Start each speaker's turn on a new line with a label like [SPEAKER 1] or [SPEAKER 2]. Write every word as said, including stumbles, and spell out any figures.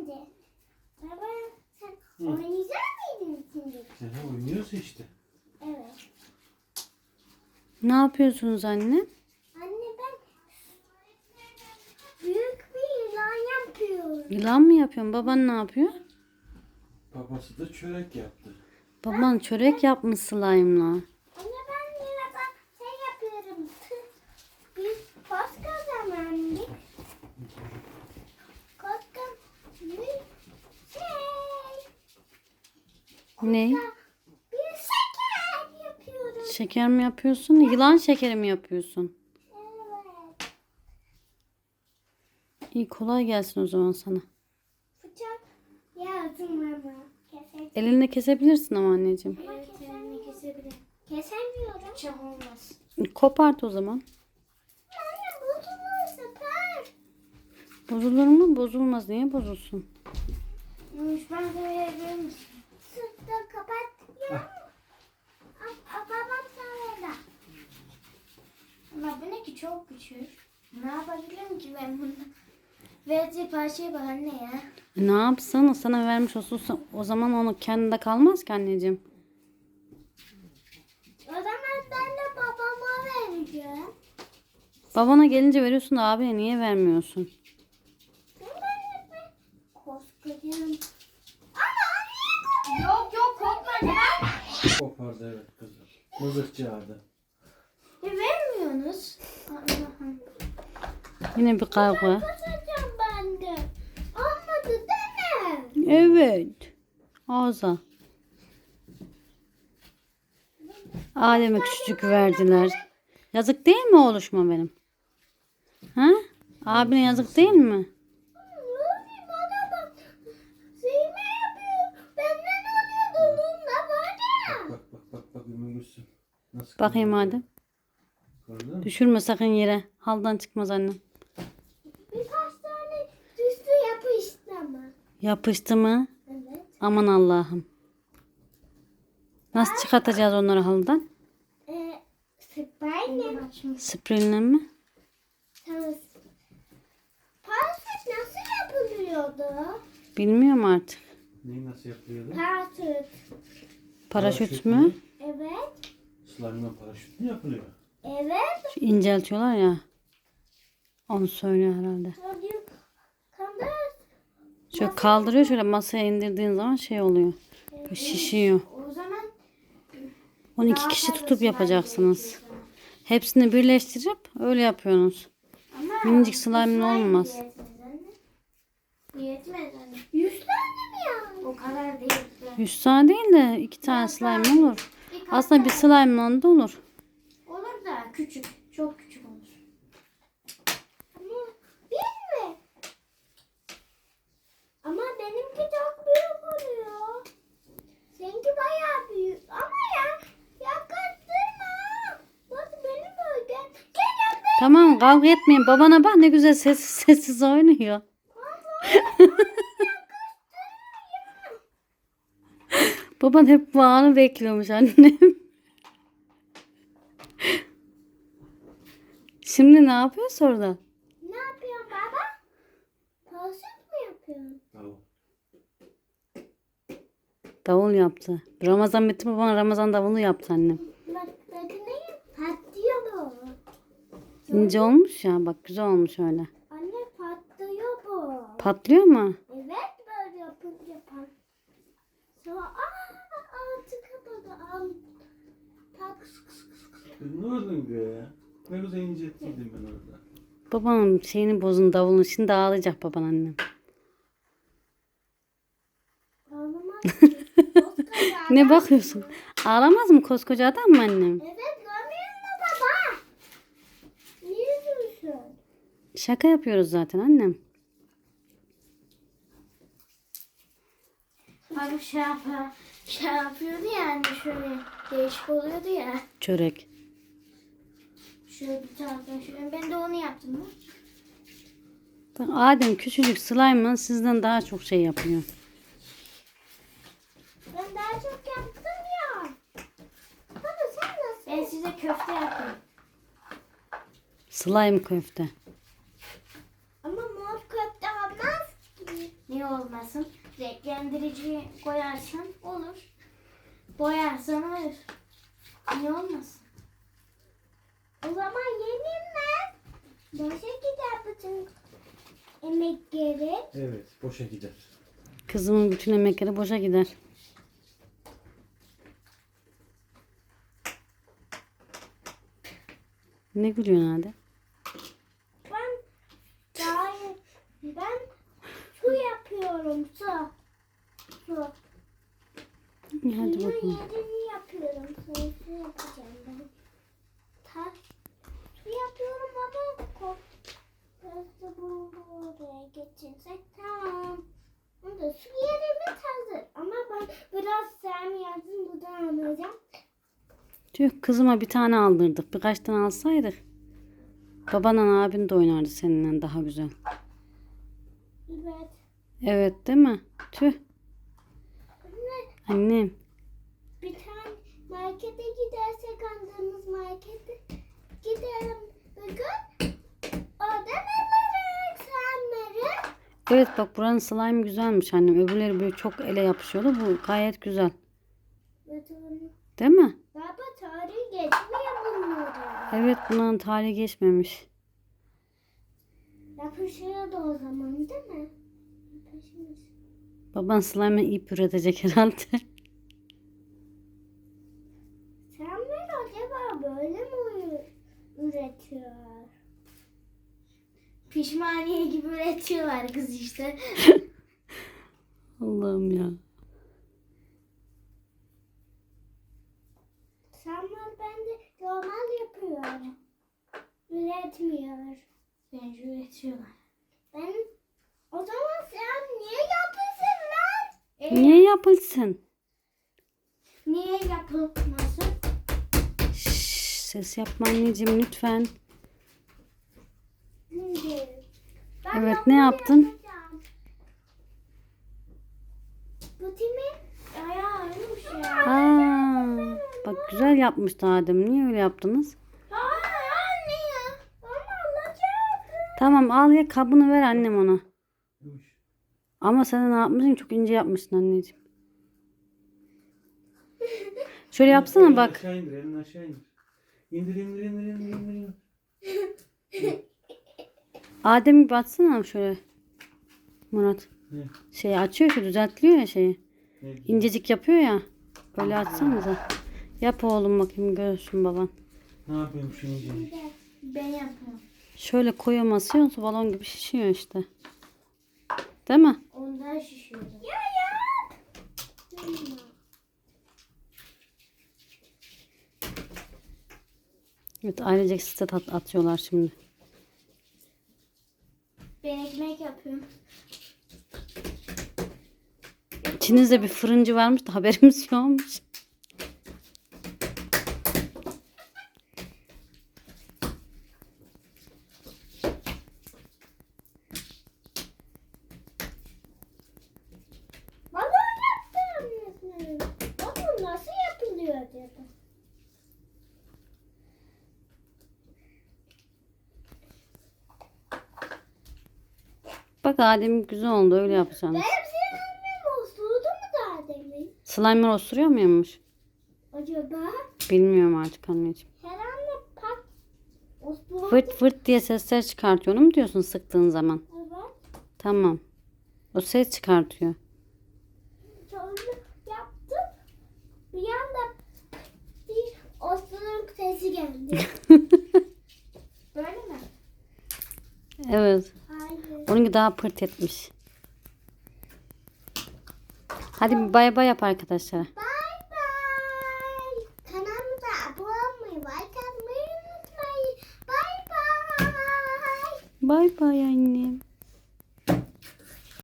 [SPEAKER 1] şimdi. Baba sen
[SPEAKER 2] Hı.
[SPEAKER 1] oynayacak mıydın şimdi?
[SPEAKER 2] Aha, oynuyoruz işte.
[SPEAKER 1] Evet.
[SPEAKER 3] Ne yapıyorsunuz anne?
[SPEAKER 1] Anne ben büyük bir yılan yapıyorum.
[SPEAKER 3] Yılan mı yapıyorsun? Baban ne yapıyor?
[SPEAKER 2] Babası da çörek yaptı.
[SPEAKER 3] Baban çörek yapmış slime'la.
[SPEAKER 1] Anne ben yine bak şey yapıyorum. Biz koskocamandık. Koskoca bir şey.
[SPEAKER 3] Ne?
[SPEAKER 1] Bir şeker yapıyorum.
[SPEAKER 3] Şeker mi yapıyorsun? Yılan şekeri mi yapıyorsun?
[SPEAKER 1] Evet.
[SPEAKER 3] İyi, kolay gelsin o zaman sana.
[SPEAKER 1] Bıçak yardım ama. Keselim.
[SPEAKER 3] Elinle kesebilirsin ama anneciğim.
[SPEAKER 1] Ama kesemini kesebilirim. Kesemiyorum. Bıçak olmaz.
[SPEAKER 3] Kopart o zaman.
[SPEAKER 1] Anne bozulur sefer.
[SPEAKER 3] Bozulur mu? Bozulmaz. Niye bozulsun?
[SPEAKER 1] Ben söyleyebilir misin? Sırtı kapat ya. A- a- Babam sana da. Ama bu ne ki çok küçük. Ne yapabilirim ki ben bunu? Verdiği parçaya bak anne ya.
[SPEAKER 3] E, ne yapsın? Sana vermiş olsun. O zaman onu kendinde kalmaz ki anneciğim.
[SPEAKER 1] O zaman ben de babama vereceğim.
[SPEAKER 3] Babana gelince veriyorsun da abine niye vermiyorsun?
[SPEAKER 1] Ben de koskocayım. Ama yok yok korkma ya.
[SPEAKER 2] Kopardı evet kızım. Mızıkçı adı.
[SPEAKER 1] E, vermiyorsunuz. Allah'ım.
[SPEAKER 3] Yine bir kavga.
[SPEAKER 1] Kasacağım ben de. Olmadı deme.
[SPEAKER 3] Evet. Ağza. Adem'e küçücük verdiler. Yazık değil mi oğluşma benim? Ha? Abine yazık değil mi?
[SPEAKER 1] Rufi bana bak. Sevme yapıyor. Benden alıyordu onunla var ya.
[SPEAKER 2] Bak bak bak bak Ümmü Gülsüm. Nasıl
[SPEAKER 3] Bakayım
[SPEAKER 2] kızardı?
[SPEAKER 3] Adem.
[SPEAKER 2] Gördün mü?
[SPEAKER 3] Düşürme sakın yere. Haldan çıkmaz annem.
[SPEAKER 1] Birkaç tane düştü yapıştı ama.
[SPEAKER 3] Yapıştı mı?
[SPEAKER 1] Evet.
[SPEAKER 3] Aman Allah'ım. Nasıl çıkartacağız onları haldan?
[SPEAKER 1] Ee, Sprayla.
[SPEAKER 3] Spreyle mi?
[SPEAKER 1] Tamam. Parasit nasıl yapılıyordu?
[SPEAKER 3] Bilmiyorum artık.
[SPEAKER 2] Neyi nasıl yapıyordu?
[SPEAKER 1] Parasit.
[SPEAKER 3] Paraşüt mü?
[SPEAKER 1] Evet.
[SPEAKER 2] Slime'la paraşüt mü yapılıyor?
[SPEAKER 1] Evet.
[SPEAKER 3] Şu inceltiyorlar ya. Onu söylüyor herhalde.
[SPEAKER 1] Çocuk kandı.
[SPEAKER 3] Şöyle kaldırıyor, şöyle masaya indirdiğin zaman şey oluyor. Böyle şişiyor.
[SPEAKER 1] O zaman
[SPEAKER 3] on iki kişi tutup yapacaksınız. Hepsini birleştirip öyle yapıyorsunuz.
[SPEAKER 1] ama
[SPEAKER 3] Minicik slime olmaz.
[SPEAKER 1] Yetmez anne. Yüz tane mi yani? O kadar değil.
[SPEAKER 3] yüz tane değil de iki tane slime olur. Aslında bir slime da olur.
[SPEAKER 1] Olur da küçük. Çok küçük olur. Ama bir mi? Ama benimki çok büyük oluyor. Seninki bayağı büyük. Ama ya yaklaştırma. Bak benim bölgem. Gel yanına.
[SPEAKER 3] Tamam, kavga etmeyin. Babana bak ne güzel sessiz sessiz oynuyor. Baban hep bu anı bekliyormuş annem. Şimdi ne yapıyorsun orada?
[SPEAKER 1] Ne yapıyorsun baba? Paraşüt mi yapıyorsun?
[SPEAKER 2] Tamam.
[SPEAKER 3] Davul yaptı. Ramazan bitti, babana Ramazan davulu yaptı annem.
[SPEAKER 1] Bak bakın ne patlıyor bu.
[SPEAKER 3] İnce olmuş ya, bak güzel olmuş öyle.
[SPEAKER 1] Anne patlıyor bu.
[SPEAKER 3] Patlıyor mu?
[SPEAKER 1] Evet böyle yapınca pat. Sonra aa altı kapadı. Al. Pat.
[SPEAKER 2] Kız ne oldun ya? Ne güzel incettiydim ben orada.
[SPEAKER 3] Babanın şeyini bozun, davulun. Şimdi ağlayacak baban annem.
[SPEAKER 1] Ağlamaz ki. Koskoca
[SPEAKER 3] Ne
[SPEAKER 1] adam.
[SPEAKER 3] bakıyorsun? Ağlamaz mı koskoca adam mı annem?
[SPEAKER 1] Evet görmüyor musun baba? Niye diyorsun?
[SPEAKER 3] Şaka yapıyoruz zaten annem.
[SPEAKER 1] Abi şey yapıyor, şey yapıyordu yani şöyle değişik oluyordu ya.
[SPEAKER 3] Çörek.
[SPEAKER 1] Şöyle bir taraftan şöyle. Ben de onu yaptım mı?
[SPEAKER 3] Bak, Adem küçücük slime'la sizden daha çok şey yapıyor.
[SPEAKER 1] Ben daha çok yaptım ya. Baba sen nasıl? Ben size köfte yapayım.
[SPEAKER 3] Slime köfte.
[SPEAKER 1] Ama mor köfte olmaz ki. Niye olmasın? Renklendirici koyarsan olur. Boyarsan olur. Niye olmasın? O zaman yenilmez. Boşa gider bütün emekleri.
[SPEAKER 2] Evet, boşa gider.
[SPEAKER 3] Kızımın bütün emekleri boşa gider. Ne gülüyorsun hadi?
[SPEAKER 1] Ben daha ben su yapıyorum su. Su.
[SPEAKER 3] İyi, hadi
[SPEAKER 1] Suyun
[SPEAKER 3] bakalım.
[SPEAKER 1] yerini yapıyorum. Sonra su yapacağım ben. Ta, su yapıyorum baba. Kork. Biraz da bunu oraya geçirsek tamam. Onda su yerimiz hazır. Ama ben biraz sen yazdın buradan alacağım.
[SPEAKER 3] Tüh, kızıma bir tane aldırdık. Birkaç tane alsaydık. Babanla abin de oynardı seninle daha güzel.
[SPEAKER 1] Evet.
[SPEAKER 3] Evet değil mi? Tüh.
[SPEAKER 1] Anne,
[SPEAKER 3] Annem.
[SPEAKER 1] bir tane markete gidersek andığımız markete gidelim bugün. Oradan alırız senleri.
[SPEAKER 3] Evet bak, buranın slime güzelmiş annem. Öbürleri böyle çok ele yapışıyordu. Bu gayet güzel. Değil mi?
[SPEAKER 1] Baba tarihi geçmiyor bunları.
[SPEAKER 3] Evet, bunların tarihi geçmemiş.
[SPEAKER 1] Yapışıyordu o zaman değil mi? Yapışmış.
[SPEAKER 3] Baban slime'e ip üretecek herhalde.
[SPEAKER 1] Senler acaba böyle mi ü- üretiyor? Pişmaniye gibi üretiyorlar kız işte.
[SPEAKER 3] Allah'ım ya.
[SPEAKER 1] Senler ben de normal yapıyorum. Üretmiyor. Bence üretiyorlar. Ben o zaman sen niye yapıyorsun lan? E,
[SPEAKER 3] Niye yapılsın?
[SPEAKER 1] Niye yapılmasın?
[SPEAKER 3] Şşş, ses yapma anneciğim lütfen.
[SPEAKER 1] Şimdi. Ben
[SPEAKER 3] Evet,
[SPEAKER 1] normal
[SPEAKER 3] ne yaptın?
[SPEAKER 1] yapacağım. Bu timin ayağıymış ya.
[SPEAKER 3] Aa, bak güzel yapmıştı Adem. Niye öyle yaptınız?
[SPEAKER 1] Hayır anne ya. Ama alacaktım.
[SPEAKER 3] Tamam, al ya, kabını ver annem ona.
[SPEAKER 2] Yumuş.
[SPEAKER 3] Ama sen ne yapmışsın? Çok ince yapmışsın anneciğim. Şöyle yapsana
[SPEAKER 2] Elini
[SPEAKER 3] bak.
[SPEAKER 2] aşağı indir, elini aşağı indir. İndir, indir, indir, indir, indir. indir.
[SPEAKER 3] Adem gibi atsana şöyle. Murat.
[SPEAKER 2] Ne?
[SPEAKER 3] Şeyi açıyor ki düzeltliyor ya şeyi.
[SPEAKER 2] Ne güzel.
[SPEAKER 3] İncecik yapıyor ya. Böyle atsanıza. Yap oğlum bakayım, görsün baban.
[SPEAKER 2] Ne yapıyorum şimdi?
[SPEAKER 1] Bir de ben yapıyorum.
[SPEAKER 3] Şöyle koyamazsın, balon gibi şişiyor işte. Değil mi?
[SPEAKER 1] Ondan şişiyorum. Ya yap.
[SPEAKER 3] Evet, ailecek site at atıyorlar şimdi.
[SPEAKER 1] Ben ekmek yapıyorum.
[SPEAKER 3] İçinizde bir fırıncı varmış da haberimiz yokmuş.
[SPEAKER 1] Balon yaptım. Balon nasıl yapılıyor acaba?
[SPEAKER 3] Bak Adem güzel oldu, öyle yapacaksın.
[SPEAKER 1] Benim senin osurdu mu daha demin?
[SPEAKER 3] Slime'lar osuruyor muymuş?
[SPEAKER 1] Acaba?
[SPEAKER 3] Bilmiyorum artık anneciğim.
[SPEAKER 1] Herhalde pat osurdu.
[SPEAKER 3] Fırt fırt diye sesler çıkartıyor. Onu mu diyorsun sıktığın zaman?
[SPEAKER 1] Evet.
[SPEAKER 3] Tamam. O ses çıkartıyor.
[SPEAKER 1] Sonra yaptım. Bir anda bir osuruk sesi geldi. Böyle mi?
[SPEAKER 3] Evet.
[SPEAKER 1] Hayır.
[SPEAKER 3] Onunki daha pırt etmiş. Hadi bir bay bay yap arkadaşlara.
[SPEAKER 1] Bye bye. Kanalımıza abone olmayı, like atmayı unutmayın. Bye bye.
[SPEAKER 3] Bay bay annem.